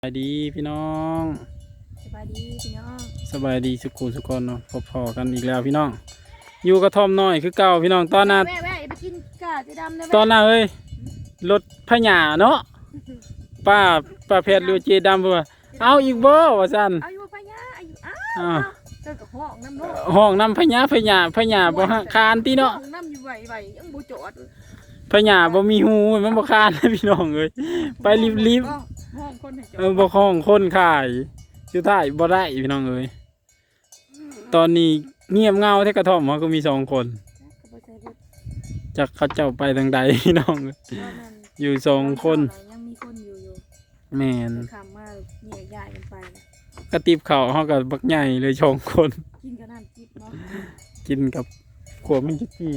สบายดีพี่น้องสบายดีพี่น้องสบายดีสุขุสุขคนเนาะพอๆกันอีกแล้วพี่น้องอยู่กระท่อมน้อยคือเก่าพี่น้องตอนน่ะแม่ไปกินกาจะดำนะตอนน่ะเอ้ยรถพญาเนาะป้าเพชรหรือเจดำว่าเอาอีกบ่ว่าซั่นอายุพญาอายุอ้าวเจอกับห้องน้ำโลกห้องน้ำพญาบ่คานติเนาะห้องน้ำอยู่ไหวยังบ่จอดพญาบ่มีหูมันบ่คานพี่น้องเอ้ยไปรีบห้องคนให้จอดบ่ห้องคนขายสุดท้ายบ่ได้พี่น้องเอ้ยตอนนี้เงียบเงาแท้กระท่อมก็มี2คนจากเขาเจ้าไปทางใดพี่น้องอยู่2คนยังมีคนอยู่แม่นคำว่าเนี่ยย้ายกันไปกระติบเขาเขากับบักใหญ่เลย2คนกินกับน้ำจิ๊บเนาะกินกับขวบมินจิกี้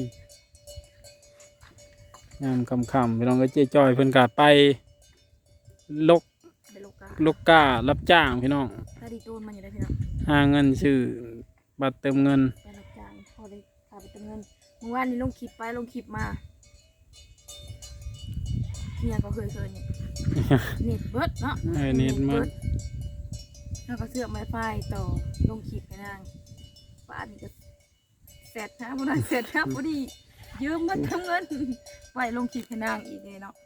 ยามค่ำๆพี่น้องก็เจ๊จอยเพิ่นก็ไปลกการับจ้างพี่น้องถ้าดีตูนมันอยู่ได้พี่น้องหาเงินซื้อบัตรเติมเงินไปรับจ้างพอได้พาไปเติมเงินเมื่อวานนี้ลงคลิปมาเนี่ยก็เคยเนี่ยเน็ตเบิร์ดเนาะเน็ตเบิร์ดแล้วก็เสือกไม้ไฟต่อลงคลิปให้นางป้านี่ก็เสร็จนะพอได้เสร็จนะพอดียืมมาทำเงินไปลงคลิปให้นางอีกเลยเนาะ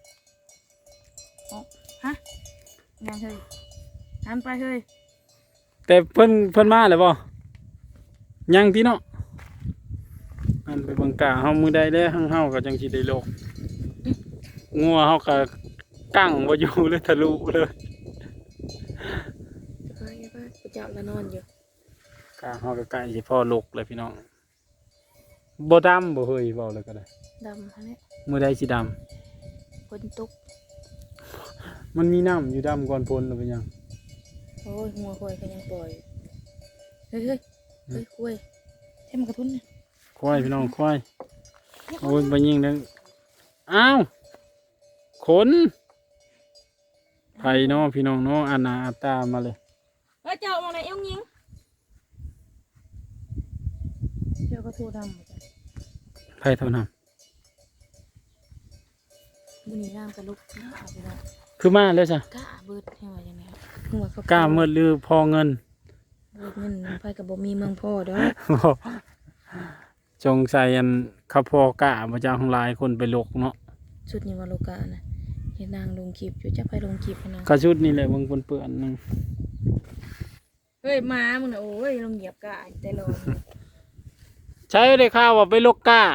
ฮะงานเฮ้ยหันไปเฮ้ยแต่เพิ่นมาแล้วบ่ยังที่เนาะอันไปบังกาเฮามือใดได้เฮาก็จังสิได้โลกงัวเฮาก็กั้งบ่อยู่เลยทะลุเลยไปเจ้าละนอนอยู่กาเฮาก็ใกล้สิพอลกเลยพี่น้องบ่ดำบ่เฮยเว้าเลยก็ได้ดำฮะเนี่ยมื้อใดสิดำฝนตกมันมีน้ำอยู่ดำก่อนฝนหรือเป็นยังโอ้ยหัวควายก็ยังปล่อยเฮ้ยควายให้มันกระทุ้นเนี่ยควายพี่น้องควายโอ้ยไปยิงนึงอ้าวขนไผ่น้องพี่น้องน้องอาณาตามาเลยเจ้ามองไหนเอ้งยิงเจ้าก็โทรดำไผ่เท่านั้นบุญน้ำกระลุกไปแล้วคือมาเลยจ้ะกล้าเบิดให้ว่าอย่างไรกล้าเมื่อลือพอเงินเบิดเงินไปกับบ่มีเมืองพ่อเด้อจงใส่อันข้าพอกะพระเจ้าของลายคนไปลกเนาะชุดนี้ว่าโลกานะเห็นนางลงคลิปอยู่จะไปลงคลิปนะกระชุดนี่แหละมึงเปื่อนนึงเฮ้ยมามึงนะโอ้ยลงเหยียบกะแต่ลงใช้ได้ข่าวว่าไปลกกะ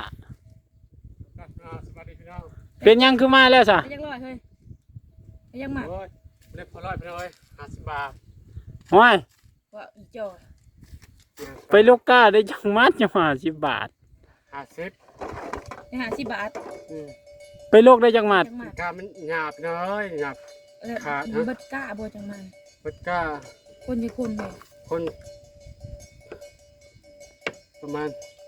เป็นยังคือมาแล้วจ้ะยังร้อยเฮ้ยยังหมักเล็กพอร้อยไปเลย50 บาทห้อยว่าอีจอยไปลูกก้าได้จังมัดจัง50 บาท 50 บาทไปโลกได้จังมัดกามันหยาบเลยหยาบขาดบัดก้าบ่จังมันบัดก้าคนยี่คนเลยคนประมาณ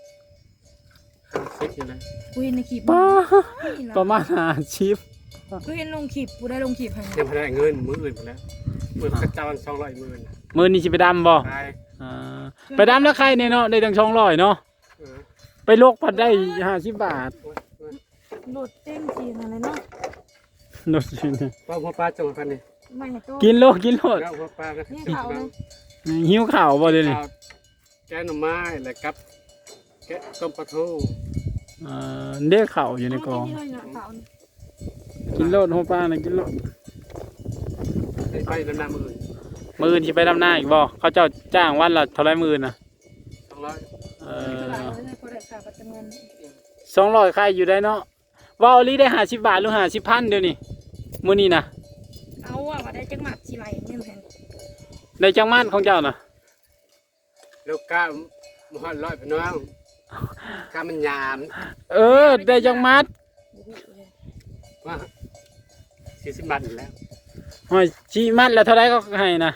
50อยู่เลยกูเห็นในคลิปประมาณ50 กูเห็นลงคลิปกูได้ลงคลิปให้ยังไม่ได้เงินมื้ออื่นหมดแล้วมื้อกระจาย200มื้อมื้อนี้สิไปดำบ่ไปดำแล้วใครเนี่ยเนาะได้ตั้ง200เนาะไปโลกพัดได้50 บาทโหลดเต็มทีอะไรเนาะโหลดจริงว่าหัวปลาจงพันนี่กินโลดหัวปลาก็หิวข่าวบ่เดี๋ยวนี้แกงหน่อไม้แล้วกับแกะต้มปลาทูเด็กข่าวอยู่ในกองกินโลดหัวปลานะกินโลดไปดำน้ำมือที่ไปดำหน้าอีกบ่เขาเจ้าจ้างวันละเท่าไรมื้อน่ะ200ใครอยู่ได้เนาะว่าอลีได้50 บาทหรือ50,000เดี๋ยวนี้มื้อนี้นะเอาว่าได้จังหมัดสิไหลเงินแพงได้จังมัดของเจ้าน่ะลูกกาบ่ฮอด100พี่น้องกามันหยามได้จังมัดว่า40 บาทแล้วห้อยชี้มัดแล้วเท่าไรก็ให้นะ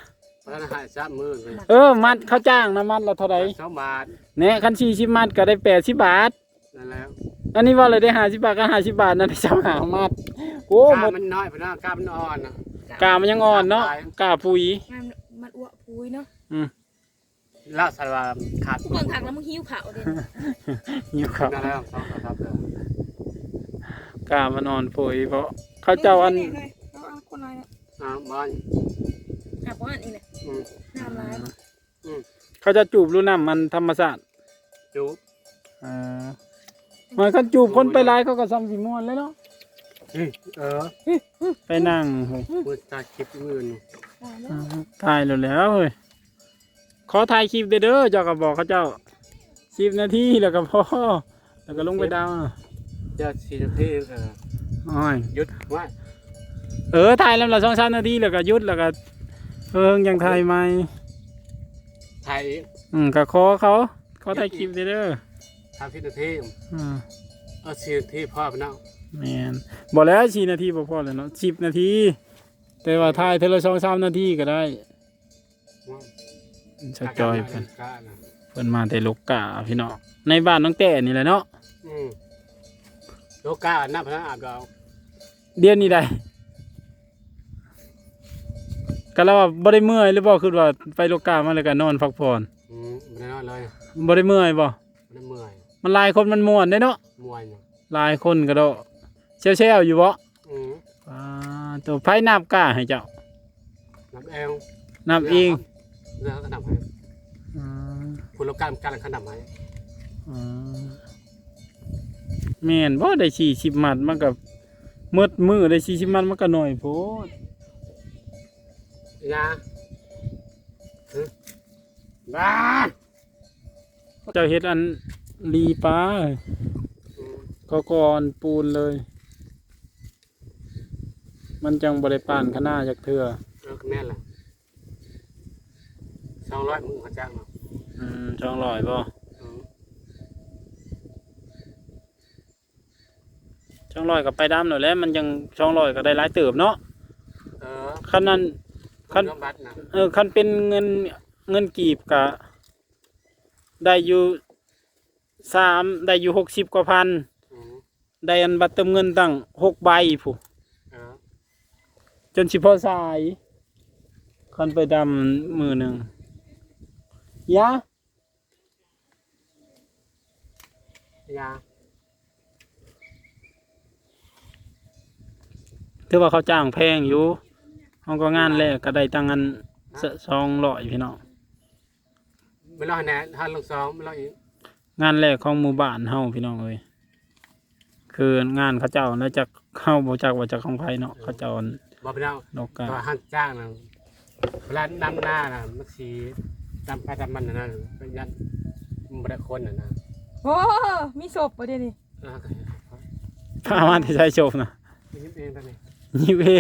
มัดเขาจ้างนะมัดละเท่าไร 2 บาทเนี่ยคัน40 มัดก็ได้80 บาทนั่นแล้วอันนี้ว่าเลยได้50 บาทก็50 บาทนั่นได้3มัดโอ้มันน้อยพี่น้องกามันอ่อนนะกามันยังอ่อนเนาะกาปุ๋ยมันอ้วปุ๋ยเนาะแล้วสารขาดเมืองขังแล้วมึงหิวข่าวดิหิวข่าวนั่นแล้วครับกามันอ่อนปุ๋ยเพราะเขาเจ้าอันบ้านอาบบ้านอีกเลยอืมน้ำร้ายเขาจะจูบรู้น้ำมันธรรมชาติจูบมันก็จูบคนไปหลายเขาก็ซ้ำสิม่วนเลยเนาะเออไปนั่งเฮ้ยมือตาคลิปมือนี่ถ่ายแล้วเฮ้ยขอถ่ายคลิปเด้อเจ้าก็บอกเขาเจ้า10 นาทีแล้วก็พอแล้วก็ลงไปดาวจะ4 นาทีอ้อยหยุดไว้ถ่ายแล้วละ2-3 นาทีแล้วก็หยุดแล้วก็ยังถ่ายใหม่ถ่ายอีกก็ขอถ่ายคลิปเด้อ 30 นาที เอา4 นาทีพอไปเนาะแม่นบอกแล้ว4 นาทีพอแล้วเนาะ10 นาที แต่ว่าถ่ายเทอละ2-3 นาทีก็ได้ชะจอยเพิ่นมาแต่ลูกกาพี่น้องในบ้านน้องแต่นี่แหละเนาะโลกาน้ำพนักอาบดาวเดี๋ยวนี้ได้ก็แล้วว่าบ่ได้เมื่อยหรือบ่คือว่าไปลูกกามาแล้วก็นอนพักผ่อนไม่ได้นอนเลยบ่ได้เมื่อยบ่ไม่ได้เมื่อยมันหลายคนมันม่วนเด้เนาะมวยเนี่ยหลายคนก็ดอกแซวๆอยู่บ่ตัวไผนับกาให้เจ้าน้ำเอวนับเองเรื่องเขานำให้คุณโลกาการขนำให้แม่นบ่ได้40 มัดมันก็มืดมือได้40 มัดมันก็น้อยโพดยาบ้าเจ้าเฮ็ดอันลีปลาก็ก่อนปูนเลย มันจังบ่ได้ปานขนาดจักเทื่อแม่นล่ะ200มึงเขาจ้างเนาะ 200บ่200ก็ไปดำหน่อยแล้วมันยัง200ก็ได้หลายเติบเนาะคันนั้นคันคันเป็นเงินกีบก็ได้อยู่ได้อยู่60 กว่าพันได้อันบัตรเติมเงินตั้ง6 ใบผู้จนสิพอสายคันไปดำมือหนึ่งยาถือว่าเขาจ้างแพงอยู่เขาก็งานแรกก็ได้ตั้งเงิน200พี่น้องไม่รอแน่ท่านลงซ้อมไม่รออีกงานแรกของหมู่บ้านเฮาพี่น้องเอ้ยคืองานเขาเจ้าแล้วจะเข้าบ่จักว่าจะของไผเนาะเขาเจ้าบอกไปแล้วนกกาตัวหันจ้างนะเวลาน้ำหน้านะมันสีดำไปดำมันนะเป็นยันมันได้คนนะโอ้มีศพประเดี๋ยวนี้พามาที่ใช้โชฟนะยิ้มเองตอนนี้ยิ้มเอง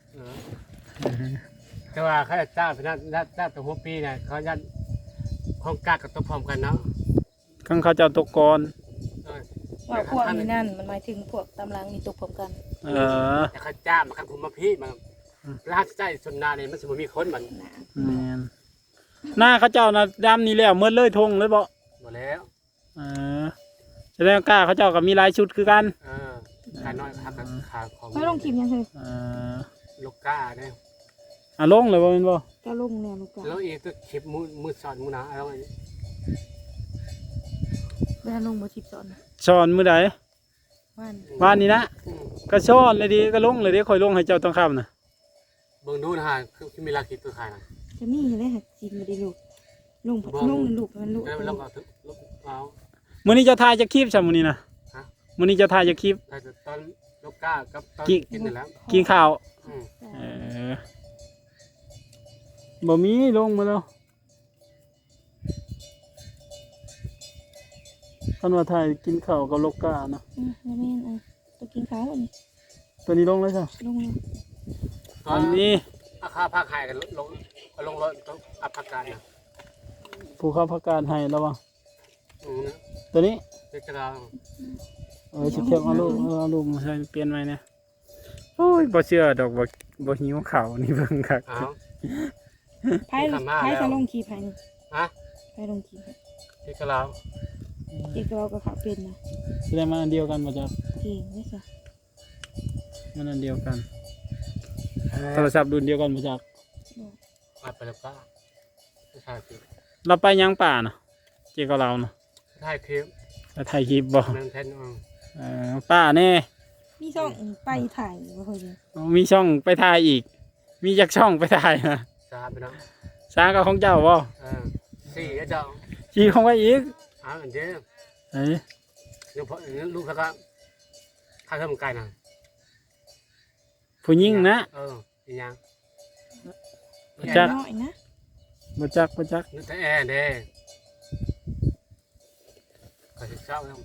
แต่ว่าเขาจะจ้างเป็นจ้างตัวหัวปีเนี่ยเขายันของกากกับตัวพร้อมกันเนาะข้างเขาเจ้าตกกรว่าพวกนี้นั่นมันหมายถึงพวกตำลังนี่ตกพร้อมกันแต่เขาจ้างมาครับผมมาพี่มาร้านใจส่วนนาเนี่ยมันสมมติมีคนมันแม่นหน้าเขาเจ้านะดำนี่แล้วเมื่อเลยทงเลยบ่หมดแล้วแสดงกล้าเขาเจ้าก็มีหลายชุดคือกันขาน้อยขาขาของไม่ลงคลิปยังเลยลูกก้าเนี่ยลงเลยบ่แม่นบ่ก็ลงเนี่ยลูกกาแล้วอีกตัวคลิปมือสอนมือหนาอะไรแม่ลงมาชิปสอนสอนมื้อใดว่านนี้นะก็สอนเลยดิก็ลงเลยดิค่อยลงให้เจ้าต้องคํน่ะเบิ่งดูนะฮะคือมีราคิดตัวขายนะจะมีอะไรหัดจีนมาได้ลูกลงลูกมันลูกแล้วมันลงเอาลงเอามื้อนี้จะถ่ายจะคลิปซะมื้อนี้นะมื้อนี้จะถ่ายจะคลิปแต่ตอนลูกก้ากับตอนกินนั่นแล้วกินข้าวบ่มีลงมาแล้วคันว่าถ่ายกินข้าวกับลูกกานะแล้วแม่ตัวกินข้าวอันนี้ตัวนี้ลงเลยจ้ะลงตอนนี้อาคาภาคหายกันลงรถต้องอัพพาการนะผู้เข้าพักการให้แล้วบ่นะตัวนี้เด็กกระดาษสิเทียบเอาลูกมาใส่เปลี่ยนใหม่เนี่ยโอ้ยบ่เชื่อดอกบ่หิวข้าวนี่เบิ่งคักไพ่จะลงคลิปให้นี่ไพ่ลงคลิปเด็กกระดาษเด็กเราก็ขาเป็นนะแสดงมันอันเดียวกันบ่จ๊ะเก่งไม่ใช่มันอันเดียวกันโทรศัพท์รุ่นเดียวกันบ่จ๊ะอัพไปแล้วก้าถ่ายคลิปเราไปยังป่าน่ะเกี่ยวกับเราน่ะถ่ายคลิปแล้วถ่ายคลิปบ่นั่งแทนป้าแน่มีช่องไปถ่ายว่าเคยมีช่องไปถ่ายอีก มีจักช่องไปถ่ายนะ 3 3พี่น้องสากับของเจ้าบ่ 4เจ้าสีของไว้อีกอันเด้อไอ้เดี๋ยวพอลูกเขาก็ถ้าทำไก่น่ะผู้หญิงนะอีหยังบ่จักน้อยนะบ่จักบ่จักนึกแต่แอร์เด้ก็สิเช้าแล้ว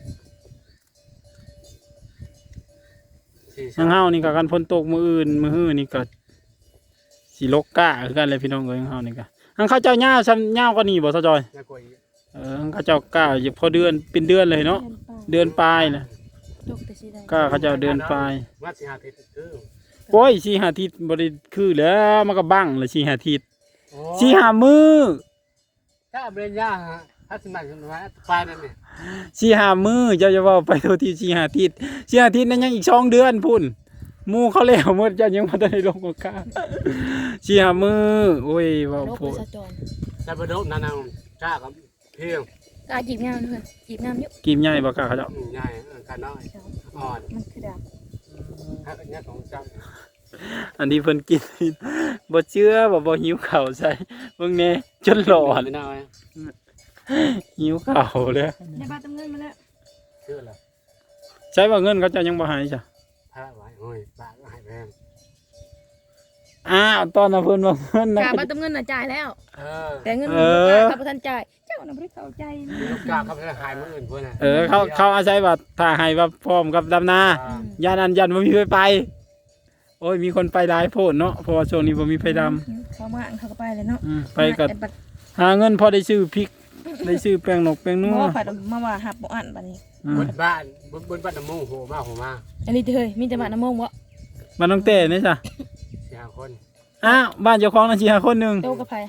ทางเฮานี่ก็กันฝนตกมื้ออื่นมื้อฮื้อนี่ก็สิลกกะคือกันเลยพี่น้องเอ้ยทางเฮานี่ก็ทางเขาเจ้าย่าวซ้ำย่าวกว่านี้บ่ซะจอยน่ากลัวอีกทางเขาเจ้ากะอยู่พอเดือนเป็นเดือนเลยเนาะเดือนปลายน่ะตกแต่สิได้ก็เขาเจ้าเดือนปลายว่าสิหาทิศคือโอ้ย4-5อาทิตย์บ่ได้คือแล้วมันก็บังเลย4-5อาทิตย์โอ้ 4-5มื้อถ้าเบรนย่าฮะถ้าสมัยขึ้นมาปลายนั่นนี่ 4-5มื้อเจ้าจะเว้าไปโทษที่4-5อาทิตย์4-5อาทิตย์นั้นยังอีก2เดือนพุ่นหมู่เขาแล้วหมดเจ้ายังบ่ทันได้ลงกา4-5มื้อโอ้ยเว้าโลกโพประดชาจรแต่บโดนนั่นน่ะจ้ากับเพียงกาจีบงามด้วยจีบงามอยู่กิมใหญ่บ่กะเขาเจ้าใหญ่กันน้อยอ่อนมันคือดาบถ้าเป็นญาติของจ้าอันนี้เพิ่นกินบ่เชื่อบ่หิวข้าวใส่เบิ่งแน่จนหลอนไม่น่าไว้หิวข้าวเลยได้บ้านตำเงินมาแล้วเชื่อละใช้ว่าเงินเขาเจ้ายังบ่ให้จ้ะพระไว้โอ้ยบ้าก็ให้แพงอ้าวตอนน่ะเพิ่นว่าเงินนะกาบ้านตำเงินน่ะจ่ายแล้ว แต่เงินเอลูกอค้าเขาบ่ทันจ่ายเจ้าน่ะบ่ได้เข้าใจลูกกาเขาไปหายมืออื่นเพื่อนน่ะเขาอาศัยว่าถ้าให้ว่าพร้อมกับดำนาย่านอันยันบ่มีไฟไปโอ้ยมีคนไปหลายโพดเนาะเพราะว่าช่วงนี้บ่มีไฟดำเขามาเขาก็ไปเลยเนาะไปก็หาเงินพอได้ซื้อพริกได้ซื้อแป้งนกแป้งนัวบ่ผัดมาว่าหับบ่อันบัดนี้บนบ้านบนบ้านน้ำมูกโหมาโหมาอันนี้เฮ้ยมีแต่บ้านน้ำมงบ่บ้านน้องเต้นี่จ้ะ 4-5 คนอ้าวบ้านเจ้าของนั่นสิหาคนหนึงโตกับไผ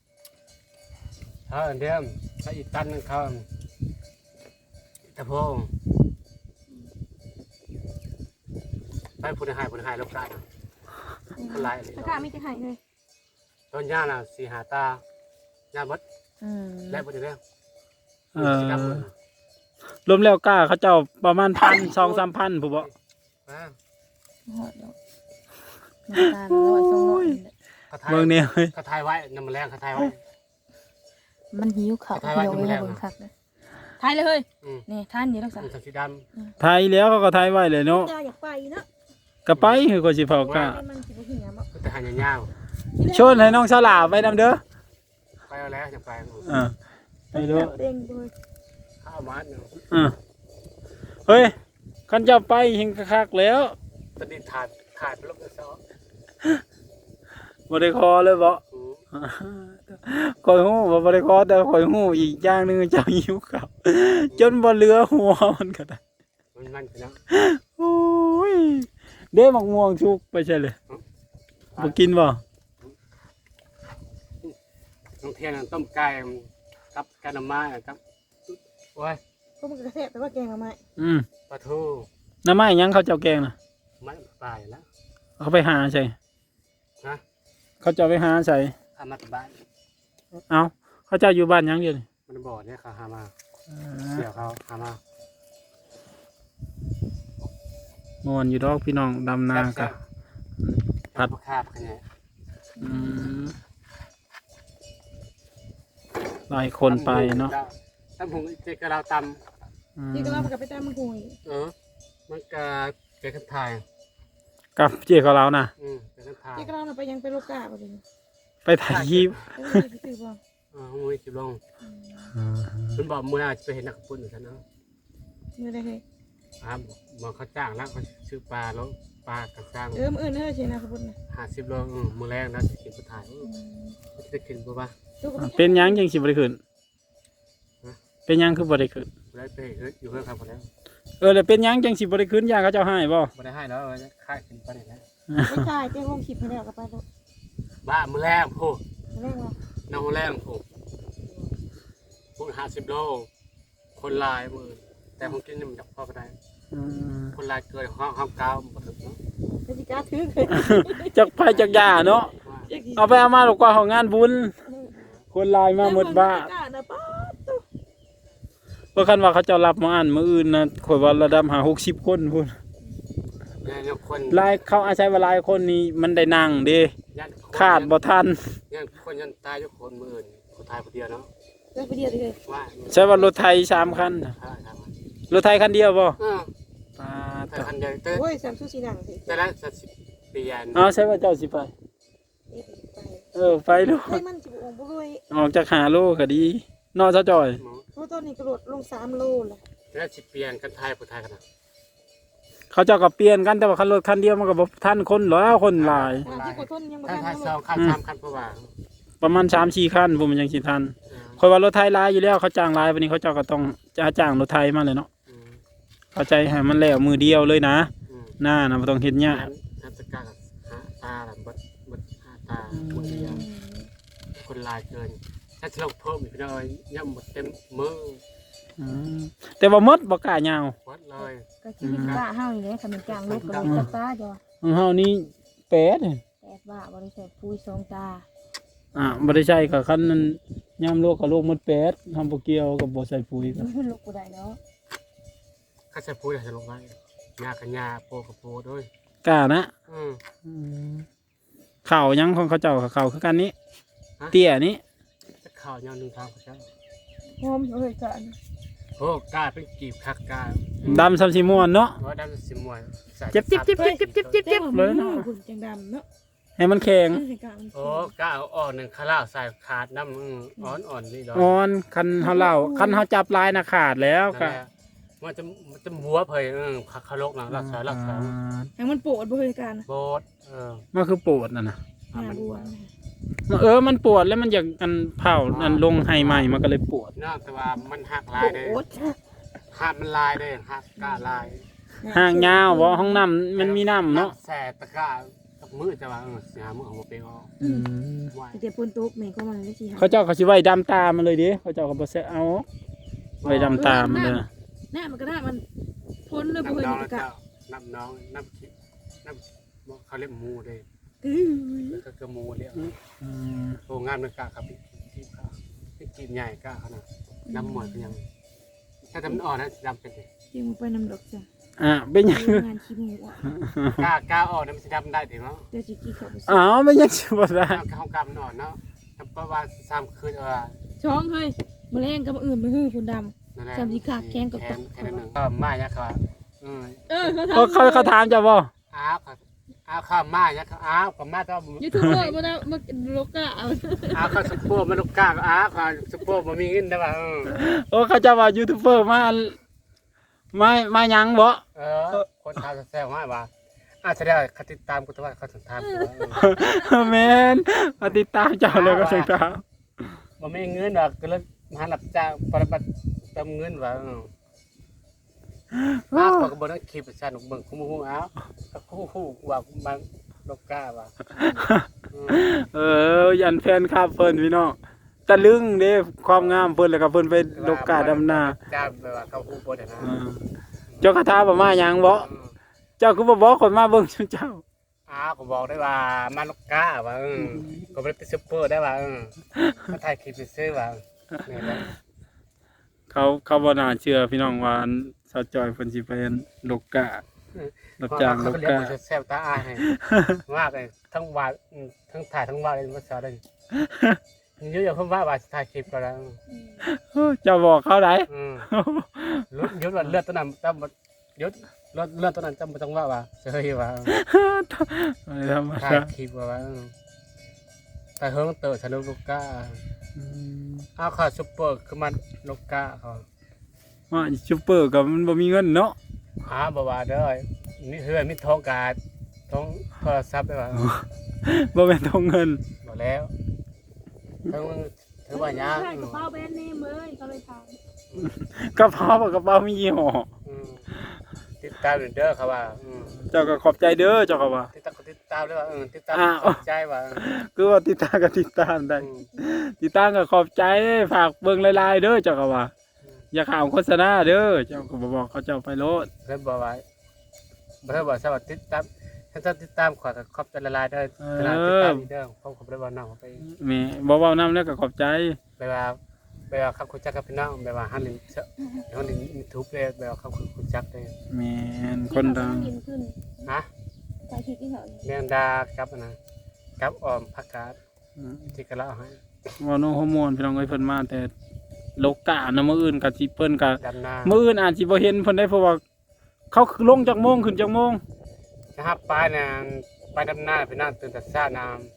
เดิมถ้าอีตันนึงเขาตะโพงไปพูดให้ลูกกาคนไรราคามีแต่ให้เลยต้นย่าน่ะ4-5 ตาย่าบดแล้วบดเด้อรวมแล้วกล้าเขาเจ้าประมาณ1,000-2,000ผู้บ่ฮอดดอกน้ำตาล100-200 เบิ่งแนวเฮ้ยเขาทายไว้น้ำแรงเขาทายไว้มันหิวข้าวเดียวเวลาเบิ่งคักเลยทายเลยเฮ้ยนี่ท่านนี่รักษามันสีดไทยแล้วเขาก็ไทยไว้เลยเนาะอยากไปเนาะก็ไปคือก็สิเผากล้ามันสิบ่หิวบ่ำแต่หางยาวชวนให้น้องสลาไปนำเด้อไปเอาแล้วจะไปไปเด้อเด้งด้วยข้าวมันเฮ้ยคันเจ้าไปเฮงคักๆแล้วตอนนี้ถ่ายไปลบซ้อบ่ได้คอเลยบ่ข่อยฮู้ว่าบ่ได้คอแต่ข่อยฮู้อีกอย่างหนึงเจ้าหิวข้าวจนบ่เหลือหัวมันก็ได้มันนะโอ้ยเด้มักม่วงสุกไปใช่เลยบ่กินบ่น้องเทียนต้มไก่กับกะน้ำม้าครับโอ้ยก็มันกระแทกแต่ว่าแกงเอามาปลาทูน้ำไม้หยังเขาเจ้าแกงน่ะไม่ปลายแล้วเขาไปหาใส่นะเขาเจ้าไปหาใส่ทำมาบ้านเอ้าเขาเจ้าอยู่บ้านหยังอยู่นี่มันบ่อเนี่ยเขาหามาเสี่ยวเขาหามาม่วนอยู่ดอกพี่น้องดำนากะผัดคาบกันเนี่ยหลายคนไปเนาะตำหงเจกเราตที่ก็เราไปตามมันคุยำมันก็เจกันถ่ายกับเจ๊ของเราน่ะเจกันถ่ายที่ก็เราไปยังไปโลกาบ่ดิไปถ่ายคลิปคือบ่มือจิบลงมันบอกมือจะไปเห็นนักปุ่นอยู่กันเนาะมื้อใดเฮ้ยบอกเขาจ้างแล้วเขาซื้อปลาแล้วปลากระซังมื้ออื่นเฮ้ยสินะสมมุตินะ 50 โลมือแรงนะจะกินไปถ่ายจะกินปุ๊บป่ะเป็นหยังจังสิบ่ได้ขึ้นเป็นหยังคือบ่ได้ขึ้นได้ไปอยู่เพื่อนครับคนแล้วแล้วเป็นหยังจังสิบ่ได้ขึ้นย่างเขาเจ้าให้บ่ไม่ได้ให้แล้วค่ายกินไปไหนแล้วไม่ใช่เจ้าลงคลิปให้แล้วก็ไปแล้วบ้ามือแรงโอ้แม่ว่าน้องแรงโอ้พวก50 โลคนลายมือแต่ผมกินนี่มันจับพ่อก็ได้คนลายเกินห้องเก้าหมดเลยสิกาถือจักไผจักยาเนาะเอาไปเอามาหรอกกว่าของงานบุญคนลายมาหมดบ้าเพราะคันว่าเขาเจ้ารับมาอ่านมื้ออื่นนะข่อยว่าระดับ50คนพุ่นเนี่ยคนลายเขาอาศัยว่าหลายคนนี่มันได้นั่งเด้ขาดบ่ทันยังคนยันตายอยู่คนมื้ออื่นคนตายคนเดียวเนาะเลิกไปเดียวเลยว่าใช่ว่ารถไทย3คันน่ะครับรถไทยคันเดียวบ่แต่คันเดียวแต่โอ้ยสามสู้สีหนังสิแต่ละสิบปีอันเอาใช่ว่าเจ้าสิไป ไปลูกให้มันจิบองบุ้ยออกจาก5โลก็ดีเนาะเจ้าจอยเพราะตอนนี้กระโดดลง3 โลแล้วแต่ละ10 ปีอันกันไทยผู้ไทยกันนะเขาเจ้าก็เปลี่ยนกันแต่ว่าคันรถคันเดียวมันก็บ่ทันคนหรอกคนหลายที่กดต้นยังบ่คันทันไทย2คัน3คันเพราะว่าประมาณ 3-4 คันผมมันยังสิทันคอยว่ารถไทยหลายอยู่แล้วเขาจ้างหลายวันนี้เขาเจ้าก็ต้องจ้างรถไทยมาเลยเนาะเข้าใจให้มันแล้วมือเดียวเลยนะหน้านะบ่ต้องเฮ็ดยากทัศกาลหาตาแบบบดหาตาหมดเดียวคนลายเกินถ้าจะลงเพิ่มอีกพี่น้อยย่ำหมดเต็มมืออืมแต่ว่าหมดบ่กล้ายาววัดเลยก็ชีวิตบ้าเฮานี่แหละคันมันจ้างลูกก็เลยตาจ้ะของเฮานี่แปดแต่ว่าบ่ได้ใส่ปุ๋ย2 ตาบ่ได้ใช้ก็คันนั้นยามโลกก็โลกหมดแปดทำบ่เกี่ยวกับบ่ใส่ปุ๋ยก็มันลูกบ่ได้เนาะข้าจะพูดจะลงไว้ยากันยาโปกับโปด้วยกล้านะอืมข้าวยังของเขาเจ้ากับข้าวคือกันนี้ เตี้ยนี้จะข่าวยาวหนึ่งทางเขาใช่หอมเอ้ยกันโอ้กล้าเป็นกีบคักกล้าดำซ้ำสิม่วนเนาะว่าดำสิมวยเจ็บเลยเนาะคุณจังดำเนาะให้มันแข็งโอ้กล้าเอาอ่อนหนึ่งข้าวใส่ขาดน้ำอ่อนนี่ดอกอ่อนคันเฮาเล่าคันเฮาจับลายน่ะขาดแล้วก็มันจะหัวเพยคาโลกนะรักษาให้มันปวดบ่เฮ้ยกันโบดมันคือปวดน่ะนะหน้าบวมมันปวดแล้วมันอยากอันเผาอันลงให้ใหม่มันก็เลยปวดนอกแต่ว่ามันหักลายเลยหักมันลายเลยหักกล้าลายห่างยาวบ่ห้องน้ำมันมีน้ำเนาะแสบตะกร้ากับมือจะว่าเสียมือของโมเปงออกไหวแต่ปนตกแม่ก็มันได้สิเขาเจ้าเขาสิไว้ดำตามันเลยดิเขาเจ้าเขาบ่ใส่เอาไว้ดำตามันเลยหน้ามันก็ได้มันพ้นเลยบ่น้ำเฮ้ยน้องกะน้ำน้องน้ำคิดน้ำเขาเรียกมูเลยก็คือมูเรียกโรงงานมันกล้าครับพี่กีบใหญ่กล้าขนาดน้ำหมวยเป็นยังถ้าทำอ่อนนะดำเป็นยังไปนำดอกจ้ะเป็นหยังงานขี้หมูอ่ะกล้าอ่อนมันจะดำได้ถึงเนาะเดี๋ยวสิกี้เขาไปอ้าวเป็นหยังสิบ่ได้ข้าวกำนอนเนาะเพราะว่า3 คืนช่องเฮ้ยแมลงกับอื่นมันฮือคุณดำนั่นแหละจำที่ขาแข้งกับแค่นั้นหนึ่งก็มาเนี่ยครับเขาถามเจ้าบ่อ้าวข้าวมาเนี่ยครับอ้าวข้าวมาต้องยูทูบเบอร์มาแล้วมาโลกะเอาอ้าวข้าวซุปเปอร์มันลูกกาอ้าวข้าวซุปเปอร์มันมีเงินได้ป่ะเขาเจ้าว่ายูทูบเบอร์มาหยังบ่คนทำแซ่บมากว่าแสดงเขาติดตามกูแต่ว่าเขาถึงตามกูแม่นมาติดตามเจ้าเลยก็ถึงตามมันมีเงินหรอกก็เลยมาหลับจ้างปฏิบัติเติมเงินว่าเขาก็บอกว่าคลิปสนุกเบิ่งคุ้มหูอ้าวคู่ว่ามันลูกกาว่ายันแฟนคลับเพิ่นพี่น้องตะลึงเด้ความงามเพิ่นแล้วก็เพิ่นไปลกกาดำนาจ้าแบบว่าเขาคู่บ่ได้นะเจ้าคาถาบ่มาหยังบ่เจ้าคือบ่บอกคนมาเบิ่งเจ้าก็บอกได้ว่ามันลูกกาว่าก็บ่ได้เป็นซุปเปอร์ได้ว่ามาถ่ายคลิปซื้อว่านี่แหละเขาบ่น่าเชื่อพี่น้องว่าสาวจอยเพิ่นสิไปลกการับจ้างลกกาแซ่บตาอายมากเลยทั้งวาดทั้งถ่ายทั้งวาดเลยภาษาเลยเยอะๆเพิ่นว่าถ่ายคลิปก็แล้วเจ้าบอกเขาได้ยุดว่าเลือดตัวนั้นจำยุดเลือดตัวนั้นจำไม่ต้องว่าเฉยว่าไม่ธรรมถ่ายดาคลิปว่าแต่เฮิงเต๋อทะลุลูกก้าเอาข้าวซุปเปอร์คือมันลูกก้าเขาว่าซุปเปอร์ก็มันบ่มีเงินเนาะบ่ว่าเด้อนี่เฮือมีทองกาดทองโทรศัพท์ได้ว่าบ่แม่นทองเงินบ่แล้วทั้งถือว่ายังใช่กระเป๋าแบรนด์เนมเลยเขาเลยถามกระเป๋ามียี่ห้อติดตามเด้อเขาว่าเจ้าก็ขอบใจเด้อเจ้าก็ว่าติดตามเลยว่าติดตามใจว่าคือว่าติดตามก็ติดตามได้ติดตามก็ขอบใจฝากเบิ่งหลายๆเด้อเจ้าก็ว่าอย่าข่าวโฆษณาเด้อเจ้าก็บ่บอกเขาเจ้าไปโลดเพิ่นบอกว่าเพิ่นบอกสวัสดีติดตามถ้าติดตามขอขอบใจละลายเด้อขนาดติดตามเด้อผมขอบได้บ่น้องไปแม่บ่เว้านำแล้วก็ขอบใจแบบว่าคำคุยจักกับพี่น้องแบบว่าฮันลินฮันลินยูทูบเลยแบบว่าคำคุยจักเลยแม่นคนดังขึ้นฮะถ่ายคลิปที่เขาแมงดาครับนะกับออมผักกาดที่กะละให้ว่าน้องฮอร์โมนพี่น้องเอ้ยเพิ่นมาแต่โลกานะมื้ออื่นก็สิเพิ่นก็ดำนามื้ออื่นอาจสิบ่เห็นเพิ่นได้เพราะว่าเขาลงจากโมงขึ้นจากโมงนะครับไปดำนาไปนั่งตื่นแต่เช้าน้ำ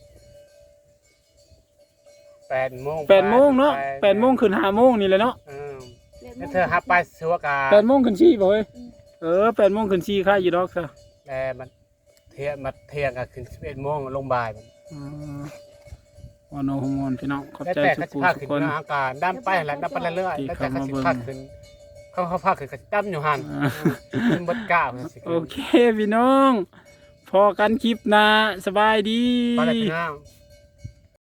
8 โมง 8 โมงเนาะ8 โมงขึ้น5 โมงนี่แหละเนาะแล้วเธอฮับไปสัวกา 8 โมงขึ้น4บ่เฮ้ย8 โมงขึ้น4ค่าอยู่ดอกซะแต่มันเที่ยงก็ขึ้น11 โมงลงบ่ายมันว่าน้องฮอร์โมนพี่น้องขอบแล้วใจแต่ทุก็กสิผู้พาทุขึ้กนคนอากาศดำไปแล้วดำไปเรื่อยๆแล้วแต่ก็สิพาขึ้นเขาพาขึ้นก็สิดำอยู่หั่นขึ้นบดก้าวสิโอเคพี่น้องพอกันคลิปหน้าสบายดีไปแล้วพี่น้อง